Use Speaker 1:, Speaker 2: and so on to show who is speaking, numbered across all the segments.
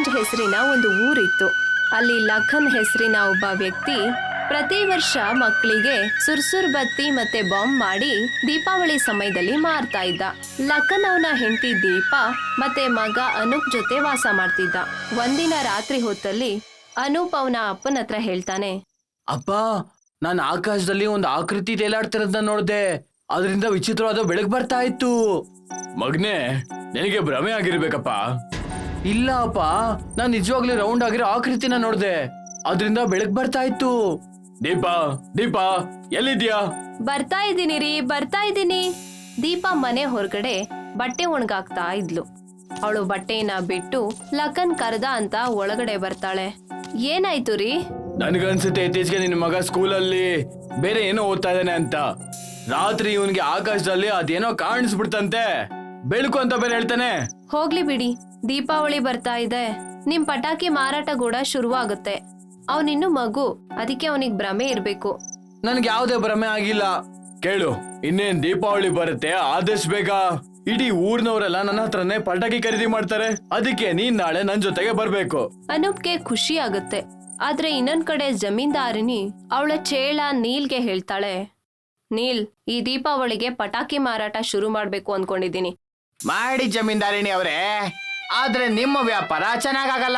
Speaker 1: ಹಸ್ರಾಗಂಜ್ ಹೆಸರಿನ ಒಂದು ಊರಿತ್ತು. ಅಲ್ಲಿ ಲಖನ್ ಹೆಸರಿನ ಒಬ್ಬ ವ್ಯಕ್ತಿ ಪ್ರತಿ ವರ್ಷ ಮಕ್ಕಳಿಗೆ ಸುರ್ಸುರ್ ಬತ್ತಿ ಮತ್ತೆ ಬಾಂಬ್ ಮಾಡಿ ದೀಪಾವಳಿ ಸಮಯದಲ್ಲಿ ಮಾರ್ತಾ ಇದ್ದ. ಲಖನ್ ಅವನ ಹೆಂಡತಿ ದೀಪ ಮತ್ತೆ ಮಗ ಅನೂಪ್ ಜೊತೆ ವಾಸ ಮಾಡ್ತಿದ್ದ. ಒಂದಿನ ರಾತ್ರಿ ಹೊತ್ತಲ್ಲಿ ಅನೂಪ್ ಅವನ ಅಪ್ಪನ ಹತ್ರ ಹೇಳ್ತಾನೆ,
Speaker 2: ಅಪ್ಪ, ನಾನು ಆಕಾಶದಲ್ಲಿ ಒಂದು ಆಕೃತಿ ತೇಲಾಡ್ತಿರೋದನ್ನ ನೋಡ್ದೆ. ಅದರಿಂದ ವಿಚಿತ್ರವಾದ ಬೆಳಕು ಬರ್ತಾ ಇತ್ತು. ಮಗ್ನೆ, ನಿನಗೆ ಭ್ರಮೆ ಆಗಿರ್ಬೇಕಪ್ಪ. ಇಲ್ಲ ಅಪ್ಪ, ನಾನ್ ನಿಜವಾಗ್ಲೂ ರೌಂಡ್ ಆಗಿರೋ ಆಕೃತಿನ ನೋಡ್ದೆ. ಅದರಿಂದ ಬೆಳಕು ಬರ್ತಾ ಇತ್ತು. ದೀಪಾ, ದೀಪಾ, ಎಲ್ಲಿದ್ಯಾ?
Speaker 1: ಬರ್ತಾ ಇದ್ದೀನಿ ರೀ, ಬರ್ತಾ ಇದ್ದೀನಿ. ದೀಪ ಮನೆ ಹೊರಗಡೆ ಬಟ್ಟೆ ಒಣಗಾಕ್ತಾ ಇದ್ಲು. ಅವಳು ಬಟ್ಟೆನ ಬಿಟ್ಟು ಲಖನ್ ಕರ್ದ ಅಂತ ಒಳಗಡೆ ಬರ್ತಾಳೆ. ಏನಾಯ್ತು ರೀ?
Speaker 2: ನನ್ಗನ್ಸುತ್ತೆ ಇತ್ತೀಚೆಗೆ ನಿನ್ ಮಗ ಸ್ಕೂಲಲ್ಲಿ ಬೇರೆ ಏನೋ ಓದ್ತಾ ಇದ್ದಾನೆ ಅಂತ. ರಾತ್ರಿ ಇವನ್ಗೆ ಆಕಾಶದಲ್ಲಿ ಅದೇನೋ ಕಾಣಿಸ್ಬಿಡ್ತಂತೆ, ಬೆಳಕು ಅಂತ ಬೇರೆ ಹೇಳ್ತಾನೆ.
Speaker 1: ಹೋಗ್ಲಿ ಬಿಡಿ, ದೀಪಾವಳಿ ಬರ್ತಾ ಇದೆ, ನಿಮ್ ಪಟಾಕಿ ಮಾರಾಟ ಕೂಡ ಶುರುವಾಗುತ್ತೆ. ಅವನಿನ್ನು ಮಗು, ಅದಕ್ಕೆ ಅವನಿಗೆ ಭ್ರಮೆ ಇರ್ಬೇಕು.
Speaker 2: ನನ್ಗೆ ಯಾವ್ದೇ ಭ್ರಮೆ ಆಗಿಲ್ಲ. ಕೇಳು, ಇನ್ನೇನ್ ದೀಪಾವಳಿ ಬರುತ್ತೆ, ಆದಷ್ಟು ಬೇಗ ಇಡೀ ಊರ್ನವರೆಲ್ಲ ನನ್ನ ಹತ್ರನೇ ಪಟಾಕಿ ಖರೀದಿ ಮಾಡ್ತಾರೆ. ಅದಕ್ಕೆ ನೀನ್ ನಾಳೆ ನನ್ ಜೊತೆಗೆ ಬರ್ಬೇಕು.
Speaker 1: ಅನೂಪ್ಗೆ ಖುಷಿ ಆಗುತ್ತೆ. ಆದ್ರೆ ಇನ್ನೊಂದ್ ಕಡೆ ಜಮೀನ್ದಾರಿನಿ ಅವಳ ಚೇಳ ನೀಲ್ಗೆ ಹೇಳ್ತಾಳೆ, ನೀಲ್, ಈ ದೀಪಾವಳಿಗೆ ಪಟಾಕಿ ಮಾರಾಟ ಶುರು ಮಾಡ್ಬೇಕು ಅನ್ಕೊಂಡಿದೀನಿ.
Speaker 2: ಮಾಡಿ ಜಮೀನ್ದಾರಿಣಿ ಅವರೇ, ಆದ್ರೆ ನಿಮ್ಮ ವ್ಯಾಪಾರ ಚೆನ್ನಾಗಲ್ಲ.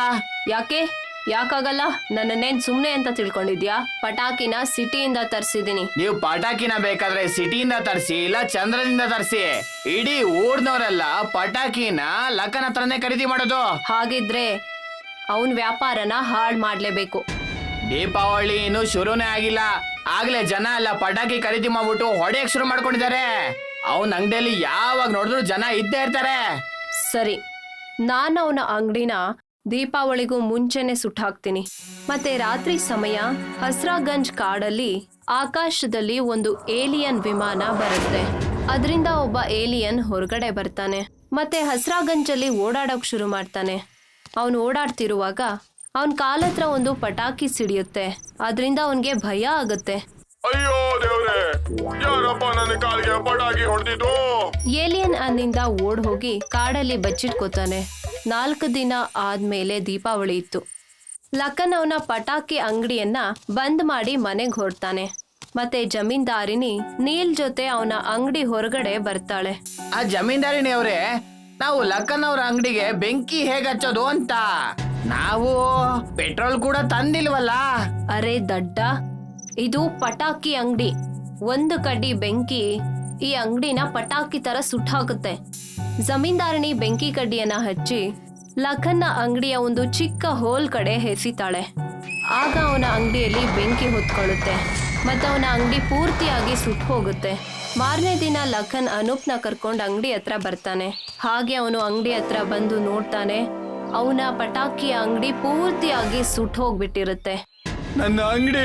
Speaker 1: ಯಾಕಾಗಲ್ಲ? ನನ್ನನ್ನೇನ್ ಸುಮ್ನೆ ಅಂತ ತಿಳ್ಕೊಂಡಿದ್ಯಾ? ಪಟಾಕಿನ ಸಿಟಿಯಿಂದ ತರ್ಸಿದೀನಿ.
Speaker 2: ನೀವು ಪಟಾಕಿನ ಬೇಕಾದ್ರೆ ಸಿಟಿಯಿಂದ ತರಿಸಿ, ಇಲ್ಲ ಚಂದ್ರದಿಂದ ತರಿಸಿ. ಇಡೀ ಊರ್ನವರೆಲ್ಲ ಪಟಾಕಿನ ಲಖನ್ ಹತ್ರನೇ ಖರೀದಿ ಮಾಡೋದು.
Speaker 1: ಹಾಗಿದ್ರೆ ಅವನ್ ವ್ಯಾಪಾರನ ಹಾಳ್ ಮಾಡ್ಲೇಬೇಕು.
Speaker 2: ದೀಪಾವಳಿ ಇನ್ನು ಶುರುನೇ ಆಗಿಲ್ಲ, ಆಗ್ಲೇ ಜನ ಎಲ್ಲ ಪಟಾಕಿ ಖರೀದಿ ಮಾಡ್ಬಿಟ್ಟು ಹೊಡೆಯಕ್ ಶುರು ಮಾಡ್ಕೊಂಡಿದ್ದಾರೆ. ಅವನ ಅಂಗಡಿಯಲ್ಲಿ ಯಾವಾಗ ನೋಡಿದ್ರು ಜನ ಇದ್ದೇ ಇರ್ತಾರೆ.
Speaker 1: ಸರಿ, ನಾನು ಅವನ ಅಂಗಡಿನ ದೀಪಾವಳಿಗೂ ಮುಂಚೆನೆ ಸುಟ್ಟಾಕ್ತೀನಿ. ಮತ್ತೆ ರಾತ್ರಿ ಸಮಯ ಹಸ್ರಾಗಂಜ್ ಕಾಡಲ್ಲಿ ಆಕಾಶದಲ್ಲಿ ಒಂದು ಏಲಿಯನ್ ವಿಮಾನ ಬರುತ್ತೆ. ಅದರಿಂದ ಒಬ್ಬ ಏಲಿಯನ್ ಹೊರಗಡೆ ಬರ್ತಾನೆ ಮತ್ತೆ ಹಸ್ರಾಗಂಜಲ್ಲಿ ಓಡಾಡೋಕ್ ಶುರು ಮಾಡ್ತಾನೆ. ಅವನು ಓಡಾಡ್ತಿರುವಾಗ ಅವನ್ ಕಾಲತ್ರ ಒಂದು ಪಟಾಕಿ ಸಿಡಿಯುತ್ತೆ. ಅದರಿಂದ ಅವನ್ಗೆ ಭಯ ಆಗುತ್ತೆ.
Speaker 3: ಅಯ್ಯೋ ದೇವ್ರೆ, ಯಾರಪ್ಪ ನನ್ನ ಕಾಲಿಗೆ ಪಟಾಕಿ ಹೊಡೆದಿದ್ದು?
Speaker 1: ಏಲಿಯನ್ ಅಲ್ಲಿಂದ ಓಡ್ ಹೋಗಿ ಕಾಡಲ್ಲಿ ಬಚ್ಚಿಟ್ಕೋತಾನೆ. 4 ದಿನ ಆದ್ಮೇಲೆ ದೀಪಾವಳಿ ಇತ್ತು. ಲಖನ್ ಅವನ ಪಟಾಕಿ ಅಂಗಡಿಯನ್ನ ಬಂದ್ ಮಾಡಿ ಮನೆಗ್ ಹೊರಡ್ತಾನೆ. ಮತ್ತೆ ಜಮೀನ್ದಾರಿನಿ ನೀಲ್ ಜೊತೆ ಅವನ ಅಂಗಡಿ ಹೊರಗಡೆ ಬರ್ತಾಳೆ.
Speaker 2: ಆ ಜಮೀನ್ದಾರಿಣಿ ಅವರೇ, ನಾವು ಲಖನ್ ಅವ್ರ ಅಂಗಡಿಗೆ ಬೆಂಕಿ ಹೇಗೆ ಹಚ್ಚೋದು ಅಂತ. ನಾವು ಪೆಟ್ರೋಲ್ ಕೂಡ ತಂದಿಲ್ವಲ್ಲ.
Speaker 1: ಅರೆ ದಡ್ಡ, ಇದು ಪಟಾಕಿ ಅಂಗಡಿ. ಒಂದು ಕಡ್ಡಿ ಬೆಂಕಿ ಈ ಅಂಗಡಿನ ಪಟಾಕಿ ತರ ಸುಟ್ಟಾಕುತ್ತೆ. ಜಮೀನ್ದಾರಿಣಿ ಬೆಂಕಿ ಕಡ್ಡಿಯನ್ನ ಹಚ್ಚಿ ಲಖನ್ನ ಅಂಗಡಿಯ ಒಂದು ಚಿಕ್ಕ ಹೋಲ್ ಕಡೆ ಎಸಿತಾಳೆ. ಆಗ ಅವನ ಅಂಗಡಿಯಲ್ಲಿ ಬೆಂಕಿ ಹೊತ್ಕೊಳ್ಳುತ್ತೆ ಮತ್ತೆ ಅವನ ಅಂಗಡಿ ಪೂರ್ತಿಯಾಗಿ ಸುಟ್ಟು ಹೋಗುತ್ತೆ. ಮಾರನೇ ದಿನ ಲಖನ್ ಅನೂಪ್ನ ಕರ್ಕೊಂಡು ಅಂಗಡಿ ಹತ್ರ ಬರ್ತಾನೆ. ಹಾಗೆ ಅವನು ಅಂಗಡಿ ಹತ್ರ ಬಂದು ನೋಡ್ತಾನೆ, ಅವನ ಪಟಾಕಿ ಅಂಗಡಿ ಪೂರ್ತಿಯಾಗಿ ಸುಟ್ಟು ಹೋಗ್ಬಿಟ್ಟಿರುತ್ತೆ.
Speaker 2: ನನ್ನ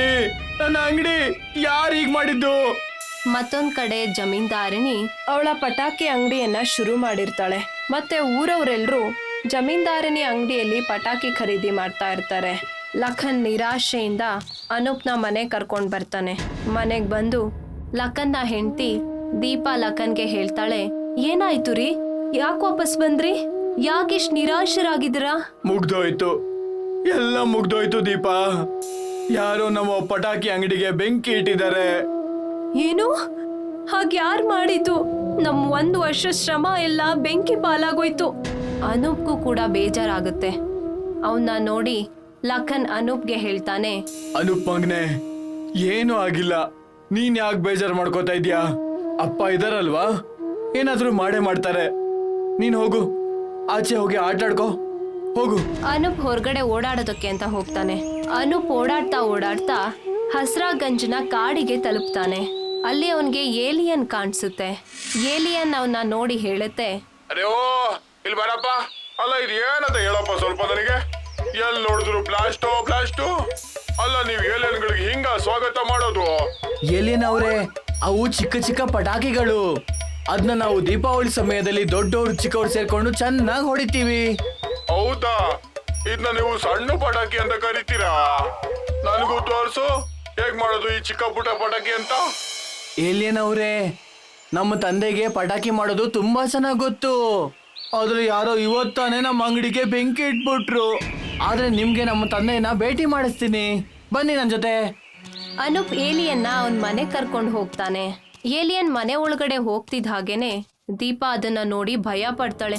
Speaker 2: ಅಂಗಡಿ ಯಾರು ಹೀಗ್ ಮಾಡಿದ್ದು?
Speaker 1: ಮತ್ತೊಂದ್ ಕಡೆ ಜಮೀನ್ದಾರಿನಿ ಅವಳ ಪಟಾಕಿ ಅಂಗಡಿಯನ್ನ ಶುರು ಮಾಡಿರ್ತಾಳೆ. ಮತ್ತೆ ಊರವರೆಲ್ಲರೂ ಜಮೀನ್ದಾರಿನಿ ಅಂಗಡಿಯಲ್ಲಿ ಪಟಾಕಿ ಖರೀದಿ ಮಾಡ್ತಾ ಇರ್ತಾರೆ. ಲಖನ್ ನಿರಾಶೆಯಿಂದ ಅನೂಪ್ನ ಮನೆ ಕರ್ಕೊಂಡ್ ಬರ್ತಾನೆ. ಮನೆಗ್ ಬಂದು ಲಖನ್ನ ಹೆಂಡತಿ ದೀಪಾ ಲಖನ್ಗೆ ಹೇಳ್ತಾಳೆ, ಏನಾಯ್ತು ರೀ, ಯಾಕೆ ವಾಪಸ್ ಬಂದ್ರಿ? ಯಾಕಿಷ್ಟು ನಿರಾಶರಾಗಿದ್ದೀರಾ?
Speaker 2: ಮುಗ್ದೋಯ್ತು, ಎಲ್ಲ ಮುಗ್ದೋಯ್ತು ದೀಪಾ. ಯಾರೋ ನಮ್ಮ ಪಟಾಕಿ ಅಂಗಡಿಗೆ ಬೆಂಕಿ ಇಟ್ಟಿದ್ದಾರೆ.
Speaker 1: ಏನು? ಹಾಗ್ಯಾರು ಮಾಡಿದ್ದು? ನಮ್ 1 ವರ್ಷ ಶ್ರಮ ಎಲ್ಲ ಬೆಂಕಿ ಪಾಲಾಗೋಯ್ತು. ಅನೂಪ್ಗೂ ಕೂಡ ಬೇಜಾರಾಗುತ್ತೆ. ಅವನ್ನ ನೋಡಿ ಲಖನ್ ಅನೂಪ್ಗೆ ಹೇಳ್ತಾನೆ,
Speaker 2: ಅನೂಪ್ ಮಗ್ನೆ, ಏನೂ ಆಗಿಲ್ಲ, ನೀನ್ ಯಾಕೆ ಬೇಜಾರು ಮಾಡ್ಕೋತಾ ಇದ್ಯಾ? ಅಪ್ಪ ಇದಾರಲ್ವಾ, ಏನಾದ್ರೂ ಮಾಡೇ ಮಾಡ್ತಾರೆ. ನೀನ್ ಹೋಗು, ಆಚೆ ಹೋಗಿ ಆಟಾಡ್ಕೋ, ಹೋಗು.
Speaker 1: ಅನೂಪ್ ಹೊರಗಡೆ ಓಡಾಡೋದಕ್ಕೆ ಅಂತ ಹೋಗ್ತಾನೆ. ಅನೂಪ್ ಓಡಾಡ್ತಾ ಹಸ್ರಾಗಂಜ್ನ ಕಾಡಿಗೆ ತಲುಪ್ತಾನೆ. ಅಲ್ಲಿ ಅವನ್ಗೆ ಏಲಿಯನ್ ಕಾಣಿಸುತ್ತೆ. ಏಲಿಯನ್ ಅವನ್ನ ನೋಡಿ ಹೇಳುತ್ತೆ,
Speaker 3: ಅರೆ ಓ, ಇಲ್ಲಿ ಬರಪ್ಪ. ಅಲ್ಲ, ಇದು ಏನಂತ ಹೇಳಪ್ಪ ಸ್ವಲ್ಪ ನನಗೆ. ಎಲ್ಲಿ ನೋಡಿದ್ರು ಬ್ಲಾಸ್ಟು. ಅಲ್ಲ, ನೀವು ಏಲಿಯನ್ಗಳಿಗೆ ಹಿಂಗ ಸ್ವಾಗತ ಮಾಡೋದು?
Speaker 2: ಏಲಿಯನ್ ಅವರೇ, ಅವು ಚಿಕ್ಕ ಚಿಕ್ಕ ಪಟಾಕಿಗಳು. ಅದನ್ನ ನಾವು ದೀಪಾವಳಿ ಸಮಯದಲ್ಲಿ ದೊಡ್ಡವರು ಚಿಕ್ಕವರು ಸೇರ್ಕೊಂಡು ಚೆನ್ನಾಗಿ ಹೊಡಿತೀವಿ.
Speaker 3: ಹೌದಾ? ಇದನ್ನ ನೀವು ಸಣ್ಣ ಪಟಾಕಿ ಅಂತ ಕರಿತೀರಾ? ನನಗೂ ತೋರ್ಸು, ಹೇಗ್ ಮಾಡೋದು ಈ ಚಿಕ್ಕ ಪುಟ್ಟ ಪಟಾಕಿ ಅಂತ.
Speaker 2: ಏಲಿಯನ್ ಅವರೇ, ನಮ್ಮ ತಂದೆಗೆ ಪಟಾಕಿ ಮಾಡೋದು ತುಂಬಾ ಚೆನ್ನಾಗಿ ಗೊತ್ತು. ಆದ್ರೆ ಯಾರೋ ಇವತ್ತಾನೆ ನಮ್ಮ ಅಂಗಡಿಗೆ ಬೆಂಕಿ ಇಟ್ಬಿಟ್ರು. ಆದ್ರೆ ನಿಮ್ಗೆ ನಮ್ಮ ತಂದೆಯನ್ನ ಭೇಟಿ ಮಾಡಿಸ್ತೀನಿ, ಬನ್ನಿ ನನ್ ಜೊತೆ.
Speaker 1: ಅನೂಪ್ ಏಲಿಯನ್ನ ಅವನ್ ಮನೆ ಕರ್ಕೊಂಡು ಹೋಗ್ತಾನೆ. ಏಲಿಯನ್ ಮನೆ ಒಳಗಡೆ ಹೋಗ್ತಿದ್ದ ಹಾಗೇನೆ ದೀಪಾ ಅದನ್ನ ನೋಡಿ ಭಯ ಪಡ್ತಾಳೆ.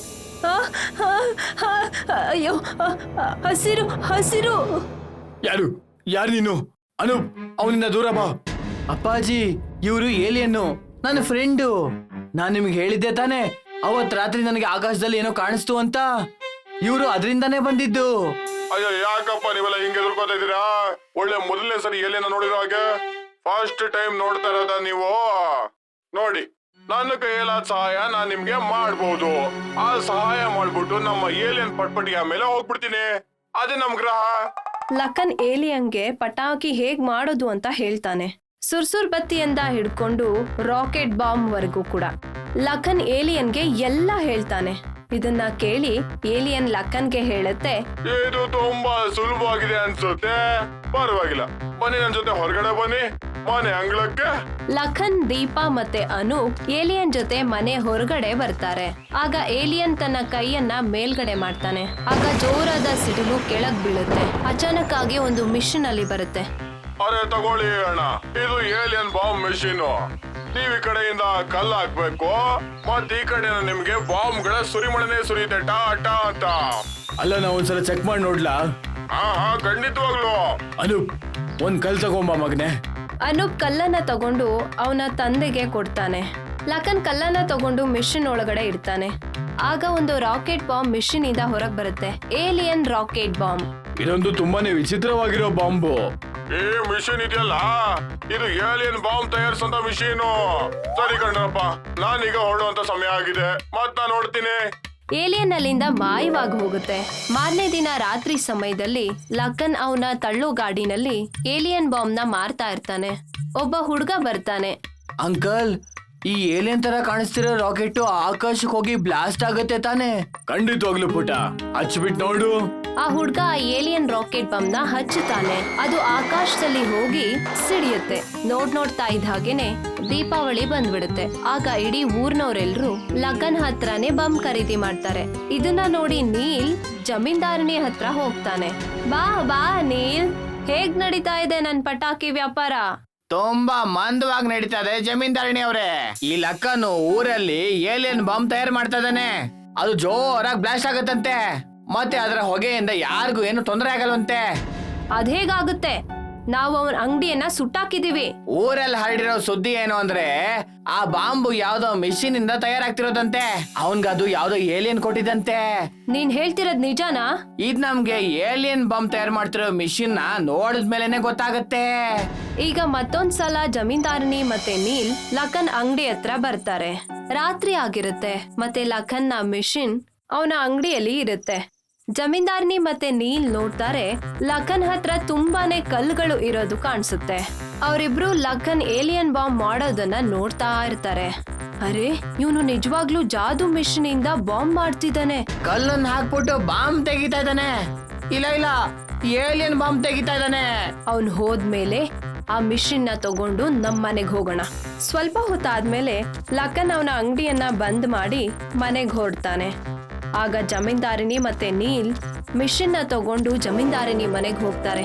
Speaker 1: ಅಯ್ಯೋ, ಹಸಿರು ಹಸಿರು.
Speaker 2: ಯಾರು ಯಾರು ನೀನು? ಅನೂಪ್, ಅವನಿಂದ ದೂರ ಬಾ. ಅಪ್ಪಾಜಿ, ಇವರು ಏಲಿಯನ್ನು ನನ್ನ ಫ್ರೆಂಡು. ನಾನ್ ನಿಮ್ಗೆ ಹೇಳಿದ್ದೆ ತಾನೆ ಅವತ್ ರಾತ್ರಿ ನನಗೆ ಆಕಾಶದಲ್ಲಿ ಏನೋ ಕಾಣಿಸ್ತು ಅಂತ. ಇವರು ಅದರಿಂದಾನೇ ಬಂದಿದ್ದು.
Speaker 3: ಅಯ್ಯೋ, ಯಾಕಪ್ಪ ನೀವೆಲ್ಲ ಹಿಂಗೆ ಎದುರ್ಕೋತಾ ಇದ್ದೀರಾ? ಒಳ್ಳೆ ಮೊದಲನೇ ಸರಿ ಏಲಿಯನ್ನ ನೋಡಿರೋ ಹಾಗೆ ಫಸ್ಟ್ ಟೈಮ್ ನೋಡ್ತಾ ಇರೋದ ನೀವು? ನೋಡಿ, ನನ್ನ ಕೈಯಲ್ಲಾದ ಸಹಾಯ ನಾನ್ ನಿಮ್ಗೆ ಮಾಡ್ಬೋದು. ಆ ಸಹಾಯ ಮಾಡ್ಬಿಟ್ಟು ನಮ್ಮ ಏಲಿಯನ್ ಪಟ್ಪಟಿಯ ಮೇಲೆ ಹೋಗ್ಬಿಡ್ತೀನಿ. ಅದೇ ನಮ್ ಗ್ರಹ.
Speaker 1: ಲಖನ್ ಏಲಿಯನ್ಗೆ ಪಟಾಕಿ ಹೇಗ್ ಮಾಡೋದು ಅಂತ ಹೇಳ್ತಾನೆ. ಸುರ್ಸುರ್ ಬತ್ತಿಯಿಂದ ಹಿಡ್ಕೊಂಡು ರಾಕೆಟ್ ಬಾಂಬ್ ವರೆಗೂ ಕೂಡ ಲಖನ್ ಏಲಿಯನ್ಗೆ ಎಲ್ಲ ಹೇಳ್ತಾನೆ. ಇದನ್ನ ಕೇಳಿ ಏಲಿಯನ್ ಲಖನ್ಗೆ ಹೇಳುತ್ತೆ,
Speaker 3: ಇದು ತುಂಬಾ ಸುಲಭವಾಗಿದೆ ಅನ್ಸುತ್ತೆ. ಪರವಾಗಿಲ್ಲ, ಬನ್ನಿ ನನ್ ಜೊತೆ ಹೊರಗಡೆ ಬನ್ನಿ, ಮನೆ ಅಂಗಳಕ್ಕೆ.
Speaker 1: ಲಖನ್, ದೀಪಾ ಮತ್ತೆ ಅನೂಪ್ ಏಲಿಯನ್ ಜೊತೆ ಮನೆ ಹೊರಗಡೆ ಬರ್ತಾರೆ. ಆಗ ಏಲಿಯನ್ ತನ್ನ ಕೈಯನ್ನ ಮೇಲ್ಗಡೆ ಮಾಡ್ತಾನೆ. ಆಗ ಜೋರಾದ ಸಿಡಿಲು ಕೆಳಗ್ ಬೀಳುತ್ತೆ. ಅಚಾನಕ್ ಆಗಿ ಒಂದು ಮಿಷನ್ ಅಲ್ಲಿ ಬರುತ್ತೆ.
Speaker 3: ಅರೆ ತಗೊಳ್ಳಿ ಅಣ್ಣ, ಇದು ಏಲಿಯನ್ ಬಾಂಬ್ ಮೆಷಿನ್. ನೀವ್ ಈ ಕಡೆಯಿಂದ ಕಲ್ಲು ಹಾಕ್ಬೇಕು, ಮತ್ ಈ ಕಡೆ ನಿಮ್ಗೆ ಬಾಂಬ್ ಗಳ ಸುರಿಮಳೆನೆ ಸುರಿಯುತ್ತೆ, ಟಾ ಟಾ ಅಂತ.
Speaker 2: ಅಲ್ಲ, ನಾ ಒಂದ್ಸಲ ಚೆಕ್ ಮಾಡಿ ನೋಡ್ಲಾ?
Speaker 3: ಹಾ ಖಂಡಿತವಾಗ್ಲು.
Speaker 2: ಅನೂಪ್, ಒಂದ್ ಕಲ್ ತಗೊಂಬ ಮಗನೆ.
Speaker 1: ಅನೂಪ್ ಕಲ್ಲನ್ನ ತಗೊಂಡು ಅವನ ತಂದೆಗೆ ಕೊಡ್ತಾನೆ. ಲಖನ್ ಕಲ್ಲನ್ನ ತಗೊಂಡು ಮಿಷನ್ ಒಳಗಡೆ ಇಡ್ತಾನೆ. ಆಗ ಒಂದು ರಾಕೆಟ್ ಬಾಂಬ್ ಮಿಷನ್ ಇಂದ ಹೊರಗ್ ಬರುತ್ತೆ. Alien rocket bomb.
Speaker 2: ಇದೊಂದು ತುಂಬಾನೇ ವಿಚಿತ್ರವಾಗಿರೋ ಬಾಂಬು.
Speaker 3: ಈ ಮಿಷಿನ್ ಇದೆಯಲ್ಲ, ಇದು ಏಲಿಯನ್ ಬಾಂಬ್ ತಯಾರಿಸಂತ ಮಿಷಿನ್. ಸರಿ ಕಣ್ರಪ್ಪ, ನಾನೀಗ ಹೊರಡುವಂತ ಸಮಯ ಆಗಿದೆ. ಮತ್ ನಾನ್ ನೋಡ್ತೀನಿ.
Speaker 1: ಏಲಿಯನ್ ಅಲ್ಲಿಂದ ಮಾಯವಾಗಿ ಹೋಗುತ್ತೆ. ಮಾರನೇ ದಿನ ರಾತ್ರಿ ಸಮಯದಲ್ಲಿ ಲಖನ್ ಅವನ ತಳ್ಳೋ ಗಾಡಿನಲ್ಲಿ ಏಲಿಯನ್ ಬಾಂಬ್ ನ ಮಾರ್ತಾ ಇರ್ತಾನೆ. ಒಬ್ಬ ಹುಡುಗ ಬರ್ತಾನೆ.
Speaker 2: ಅಂಕಲ್, ಈ ಏಲಿಯನ್ ತರ ಕಾಣಿಸ್ತಿರೋ ರಾಕೆಟ್ ಆಕಾಶಕ್ಕೆ ಹೋಗಿ ಬ್ಲಾಸ್ಟ್ ಆಗತ್ತೆ ತಾನೆ? ಖಂಡಿತವಾಗ್ಲು ಪುಟ, ಹಚ್ಬಿಟ್ ನೋಡು.
Speaker 1: ಆ ಹುಡ್ಗ ಆ ಏಲಿಯನ್ ರಾಕೆಟ್ ಬಾಂಬ್ ನ ಹಚ್ಚುತ್ತಾನೆ. ಅದು ಆಕಾಶದಲ್ಲಿ ಹೋಗಿ ಸಿಡಿಯುತ್ತೆ. ನೋಡ್ತಾ ಇದ್ದ ಹಾಗೇನೆ ದೀಪಾವಳಿ ಬಂದ್ಬಿಡುತ್ತೆ. ಆಗ ಇಡೀ ಊರ್ನವರೆಲ್ರು ಲಖನ್ ಹತ್ರನೇ ಬಾಂಬ್ ಖರೀದಿ ಮಾಡ್ತಾರೆ. ಇದನ್ನ ನೋಡಿ ನೀಲ್ ಜಮೀನ್ದಾರನಿ ಹತ್ರ ಹೋಗ್ತಾನೆ. ಬಾ ಬಾ ನೀಲ್, ಹೇಗ್ ನಡೀತಾ ಇದೆ ನನ್ ಪಟಾಕಿ ವ್ಯಾಪಾರ?
Speaker 2: ತುಂಬಾ ಮಂದವಾಗಿ ನಡೀತಾ ಇದೆ ಜಮೀನ್ದಾರಣಿ ಅವ್ರೆ. ಈ ಲಕ್ಕನು ಊರಲ್ಲಿ ಏಲಿಯನ್ ಬಾಂಬ್ ತಯಾರು ಮಾಡ್ತಾ ಇದ್ದಾನೆ. ಅದು ಜೋರಾಗಿ ಬ್ಲಾಸ್ಟ್ ಆಗತ್ತಂತೆ, ಮತ್ತೆ ಅದರ ಹೊಗೆಯಿಂದ ಯಾರಿಗೂ ಏನು ತೊಂದರೆ ಆಗಲ್ವಂತೆ.
Speaker 1: ಅದೇಗಾಗುತ್ತೆ? ನಾವು ಅವನ ಅಂಗಡಿಯನ್ನ ಸುಟ್ಟಾಕಿದೀವಿ.
Speaker 2: ಊರಲ್ಲಿ ಹರಡಿರೋ ಸುದ್ದಿ ಏನು ಅಂದ್ರೆ ಆ ಬಾಂಬು ಯಾವ್ದೋ ಮಿಷಿನ್ ಇಂದ ತಯಾರಾಗ್ತಿರೋದಂತೆ. ಅವನ್ಗದು ಯಾವ್ದೋ ಏಲಿಯನ್ ಕೊಟ್ಟಿದಂತೆ.
Speaker 1: ನೀನ್ ಹೇಳ್ತಿರೋದ್ ನಿಜಾನಾ?
Speaker 2: ಇದ್ ನಮ್ಗೆ ಏಲಿಯನ್ ಬಾಂಬ್ ತಯಾರು ಮಾಡ್ತಿರೋ ಮಿಷಿನ್ ನ ನೋಡಿದ್ಮೇಲೆನೆ ಗೊತ್ತಾಗತ್ತೆ.
Speaker 1: ಈಗ ಮತ್ತೊಂದ್ಸಲ ಜಮೀನ್ದಾರನಿ ಮತ್ತೆ ನೀಲ್ ಲಖನ್ ಅಂಗಡಿ ಹತ್ರ ಬರ್ತಾರೆ. ರಾತ್ರಿ ಆಗಿರುತ್ತೆ ಮತ್ತೆ ಲಖನ್ ನ ಮಿಷಿನ್ ಅವನ ಅಂಗಡಿಯಲ್ಲಿ ಇರುತ್ತೆ. ಜಮೀನ್ದಾರನಿ ಮತ್ತೆ ನೀಲ್ ನೋಡ್ತಾರೆ, ಲಖನ್ ಹತ್ರ ತುಂಬಾನೇ ಕಲ್ಲುಗಳು ಇರೋದು ಕಾಣಿಸುತ್ತೆ. ಅವರಿಬ್ರು ಲಖನ್ ಏಲಿಯನ್ ಬಾಂಬ್ ಮಾಡೋದನ್ನ ನೋಡ್ತಾ ಇರ್ತಾರೆ. ಅರೆ, ಇವನು ನಿಜವಾಗ್ಲೂ ಜಾದೂ ಮಿಷಿನ್ ಇಂದ ಬಾಂಬ್ ಮಾಡ್ತಿದ್ದಾನೆ.
Speaker 2: ಕಲ್ಲನ್ನ ಹಾಕ್ಬಿಟ್ಟು ಬಾಂಬ್ ತೆಗಿತಾ ಇದ್ದಾನೆ. ಇಲ್ಲ, ಏಲಿಯನ್ ಬಾಂಬ್ ತೆಗಿತಾ ಇದ್ದಾನೆ.
Speaker 1: ಅವನು ಹೋದ್ಮೇಲೆ ಆ ಮಿಷಿನ್ ನ ತಗೊಂಡು ನಮ್ಮನೆಗ್ ಹೋಗೋಣ. ಸ್ವಲ್ಪ ಹೊತ್ತಾದ್ಮೇಲೆ ಲಖನ್ ಅವನ ಅಂಗಡಿಯನ್ನ ಬಂದ್ ಮಾಡಿ ಮನೆಗ್ ಹೊರಡ್ತಾನೆ. ಆಗ ಜಮೀನ್ದಾರಿನಿ ಮತ್ತೆ ನೀಲ್ ಮಿಷಿನ್ ನ ತಗೊಂಡು ಜಮೀನ್ದಾರಿನಿ ಮನೆಗ್ ಹೋಗ್ತಾರೆ.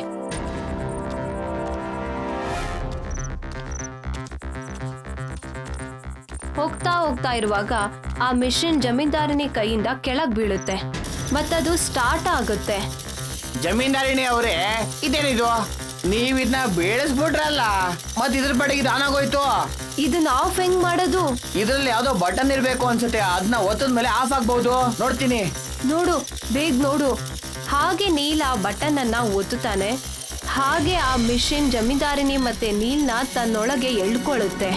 Speaker 1: ಹೋಗ್ತಾ ಇರುವಾಗ ಆ ಮಿಷಿನ್ ಜಮೀನ್ದಾರಿನಿ ಕೈಯಿಂದ ಕೆಳಗ್ ಬೀಳುತ್ತೆ ಮತ್ತದು ಸ್ಟಾರ್ಟ್ ಆಗುತ್ತೆ.
Speaker 2: ಜಮೀನ್ದಾರಿಣಿ ಅವರೇ, ಇದೇನಿದು? ನೀವ್ ಇದನ್ನ ಬೇಳಿಸ್ಬಿಟ್ರಲ್ಲ, ಮತ್ ಇದ್ರ ಪಡೆಗೆ ಇದು ಆನ್ ಆಗೋಯ್ತು.
Speaker 1: ಇದನ್ನ ಆಫ್ ಹೆಂಗ್ ಮಾಡೋದು?
Speaker 2: ಇದ್ರಲ್ಲಿ ಯಾವ್ದೋ ಬಟನ್ ಇರ್ಬೇಕು ಅನ್ಸುತ್ತೆ, ಅದನ್ನ ಒತ್ತದ ಮೇಲೆ ಆಫ್ ಆಗ್ಬಹುದು. ನೋಡ್ತೀನಿ.
Speaker 1: ನೋಡು, ಬೇಗ ನೋಡು. ಹಾಗೆ ನೀಲ್ ಆ ಬಟನ್ ಅನ್ನ ಒತ್ತುತ್ತಾನೆ. ಹಾಗೆ ಆ ಮಿಷಿನ್ ಜಮೀನ್ದಾರಿನಿ ಮತ್ತೆ ನೀಲ್ನ ತನ್ನೊಳಗೆ ಎಳ್ಕೊಳ್ಳುತ್ತೆ.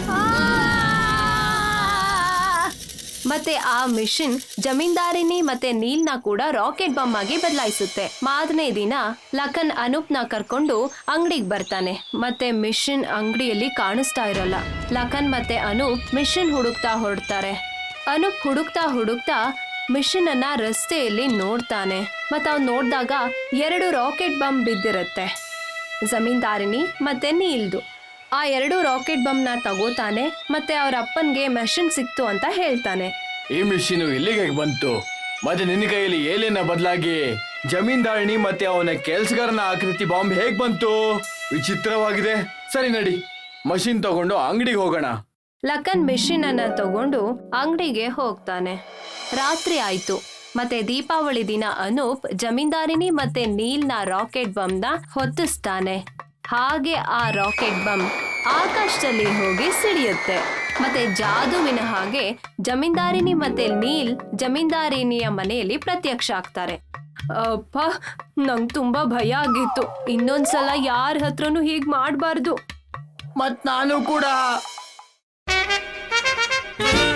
Speaker 1: ಮತ್ತೆ ಆ ಮಿಷಿನ್ ಜಮೀನ್ದಾರಿನಿ ಮತ್ತೆ ನೀಲ್ನ ಕೂಡ ರಾಕೆಟ್ ಬಾಂಬ್ ಆಗಿ ಬದಲಾಯಿಸುತ್ತೆ. ಮಾರನೇ ದಿನ ಲಖನ್ ಅನೂಪ್ನ ಕರ್ಕೊಂಡು ಅಂಗಡಿಗೆ ಬರ್ತಾನೆ. ಮತ್ತೆ ಮಿಷಿನ್ ಅಂಗಡಿಯಲ್ಲಿ ಕಾಣಿಸ್ತಾ ಇರಲ್ಲ. ಲಖನ್ ಮತ್ತೆ ಅನೂಪ್ ಮಿಷಿನ್ ಹುಡುಕ್ತಾ ಹೊರಡ್ತಾರೆ. ಅನೂಪ್ ಹುಡುಕ್ತಾ ಮಿಷಿನ್ ಅನ್ನ ರಸ್ತೆಯಲ್ಲಿ ನೋಡ್ತಾನೆ. ಮತ್ತೆ ಅವ್ನು ನೋಡಿದಾಗ 2 ರಾಕೆಟ್ ಬಾಂಬ್ ಬಿದ್ದಿರುತ್ತೆ, ಜಮೀನ್ದಾರಿನಿ ಮತ್ತೆ ನೀಲ್ದು. ಆ 2 ರಾಕೆಟ್ ಬಾಂಬ್ನ ತಗೋತಾನೆ. ಮತ್ತೆ ಅವ್ರ ಅಪ್ಪನ್ಗೆ ಮೆಷಿನ್ ಸಿಕ್ತು ಅಂತ ಹೇಳ್ತಾನೆ.
Speaker 2: ಈ ಮಿಷಿನು ಇಲ್ಲಿಗೆ ಹೇಗ್ ಬಂತು ಮತ್ತೆ ನಿನ್ನ ಕೈಯಲ್ಲಿ ಏಲೇನ ಬದಲಾಗಿ ಜಮೀನ್ದಾರಣಿ ಮತ್ತೆ ಅವನ ಕೆಲ್ಸಗಾರನ ಆಕೃತಿ ಬಾಂಬ್ ಹೇಗ್ ಬಂತು? ವಿಚಿತ್ರವಾಗಿದೆ. ಸರಿ ನಡಿ, ಮಷಿನ್ ತಗೊಂಡು ಅಂಗಡಿಗೆ ಹೋಗೋಣ.
Speaker 1: ಲಖನ್ ಮಿಷಿನ್ ಅನ್ನ ತಗೊಂಡು ಅಂಗಡಿಗೆ ಹೋಗ್ತಾನೆ. ರಾತ್ರಿ ಆಯ್ತು ಮತ್ತೆ ದೀಪಾವಳಿ ದಿನ ಅನೂಪ್ ಜಮೀನ್ದಾರಿನಿ ಮತ್ತೆ ನೀಲ್ನ ರಾಕೆಟ್ ಬಂಬ್ನ ಹೊತ್ತಿಸ್ತಾನೆ. ಹಾಗೆ ಆ ರಾಕೆಟ್ ಬಂಬ್ ಆಕಾಶದಲ್ಲಿ ಹೋಗಿ ಸಿಡಿಯುತ್ತೆ. ಮತ್ತೆ ಜಾದುವಿನ ಹಾಗೆ ಜಮೀನ್ದಾರಿನಿ ಮತ್ತೆ ನೀಲ್ ಜಮೀನ್ದಾರಿನಿಯ ಮನೆಯಲ್ಲಿ ಪ್ರತ್ಯಕ್ಷ ಆಗ್ತಾರೆ. ಅಪ್ಪ, ನಂಗ್ ತುಂಬಾ ಭಯ ಆಗಿತ್ತು. ಇನ್ನೊಂದ್ಸಲ ಯಾರ ಹತ್ರನೂ ಹೀಗ್ ಮಾಡ್ಬಾರ್ದು.
Speaker 2: ಮತ್ ನಾನು ಕೂಡ